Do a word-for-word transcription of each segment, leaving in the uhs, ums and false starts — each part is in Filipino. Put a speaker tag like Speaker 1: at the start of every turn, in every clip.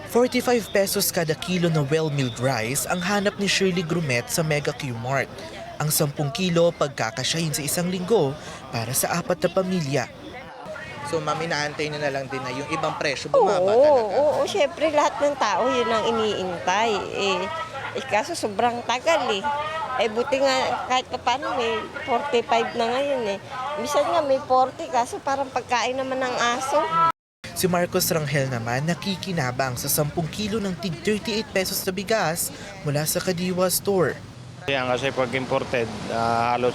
Speaker 1: forty-five pesos kada kilo na well-milled rice ang hanap ni Shirley Grumet sa Mega Q-Mart. Ang sampung kilo pagkakasyahin sa isang linggo para sa apat na pamilya. So ma'am, inaantay niyo na lang din na yung ibang presyo bumaba
Speaker 2: oo,
Speaker 1: talaga?
Speaker 2: Oo, syempre lahat ng tao yun ang iniintay. Eh, eh kaso sobrang tagal eh. Eh buti nga kahit pa paano may forty-five na ngayon eh. Minsan nga may forty kaso parang pagkain naman ng aso.
Speaker 1: Si Marcos Rangel naman nakikinabang sa sampung kilo ng tig thirty-eight pesos na bigas mula sa Kadiwa Store.
Speaker 3: Yan kasi pag imported, uh, halos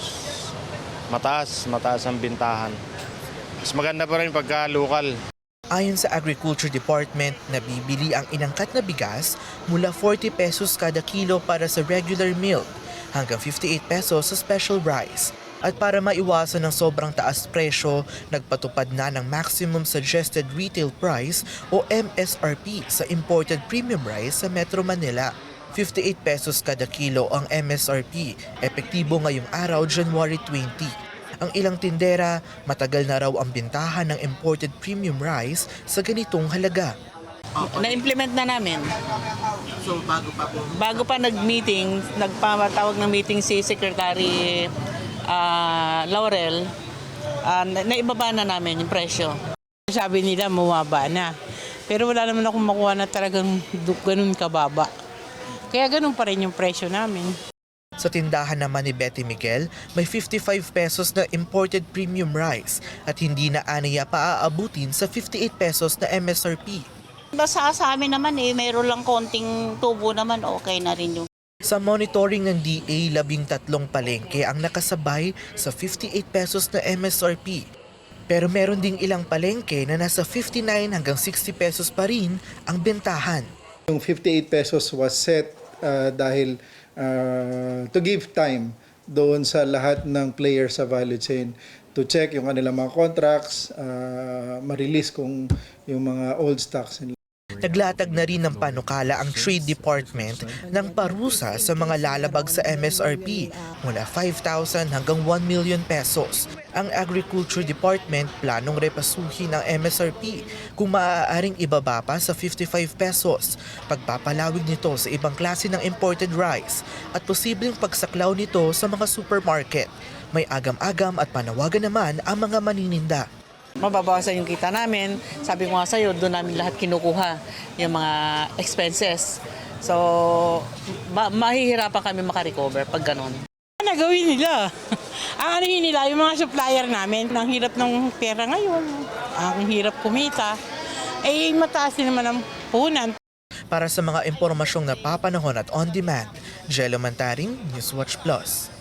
Speaker 3: mataas, mataas ang bintahan. Mas maganda pa rin pagka local.
Speaker 1: Ayon sa Agriculture Department, nabibili ang inangkat na bigas mula forty pesos kada kilo para sa regular milk hanggang fifty-eight pesos sa special rice. At para maiwasan ng sobrang taas presyo, nagpatupad na ng Maximum Suggested Retail Price o M S R P sa imported premium rice sa Metro Manila. fifty-eight pesos kada kilo ang M S R P, epektibo ngayong araw January twentieth. Ang ilang tindera, matagal na raw ang bintahan ng imported premium rice sa ganitong halaga.
Speaker 4: Na-implement na namin.
Speaker 1: So bago pa po?
Speaker 4: Bago pa nag-meeting, nagpatawag ng meeting si Secretary uh, Laurel, uh, naibaba na namin yung presyo.
Speaker 5: Sabi nila mababa na, pero wala naman akong makuha na talagang ganun kababa. Kaya ganun pa rin yung presyo namin.
Speaker 1: Sa tindahan naman ni Betty Miguel, may fifty-five pesos na imported premium rice at hindi na aniya pa aabutin sa fifty-eight pesos na M S R P.
Speaker 6: Basta sa amin naman eh, mayroon lang konting tubo naman, okay na rin yung.
Speaker 1: Sa monitoring ng D A, labing tatlong palengke ang nakasabay sa fifty-eight pesos na M S R P. Pero meron ding ilang palengke na nasa fifty-nine hanggang sixty pesos pa rin ang bentahan.
Speaker 7: Yung fifty-eight pesos was set uh, dahil uh, to give time doon sa lahat ng players sa value chain to check yung kanilang mga contracts, uh, ma-release kung yung mga old stocks nila.
Speaker 1: Naglatag na rin ng panukala ang Trade Department ng parusa sa mga lalabag sa M S R P mula five thousand hanggang one million pesos. Ang Agriculture Department planong repasuhin ang M S R P kung maaaring ibaba pa sa fifty-five pesos, pagpapalawig nito sa ibang klase ng imported rice at posibleng pagsaklaw nito sa mga supermarket. May agam-agam at panawagan naman ang mga manininda.
Speaker 4: Mababawasan yung kita namin. Sabi ko nga sa'yo, doon namin lahat kinukuha yung mga expenses. So, ma- mahihirapan kami makarecover pag ganun.
Speaker 5: Ano gawin nila? Ang ano yun nila, yung mga supplier namin, ang hirap ng pera ngayon, ang hirap kumita, eh mataas din naman ang puhunan.
Speaker 1: Para sa mga impormasyong napapanahon at on-demand, Jello Mantaring, Newswatch Plus.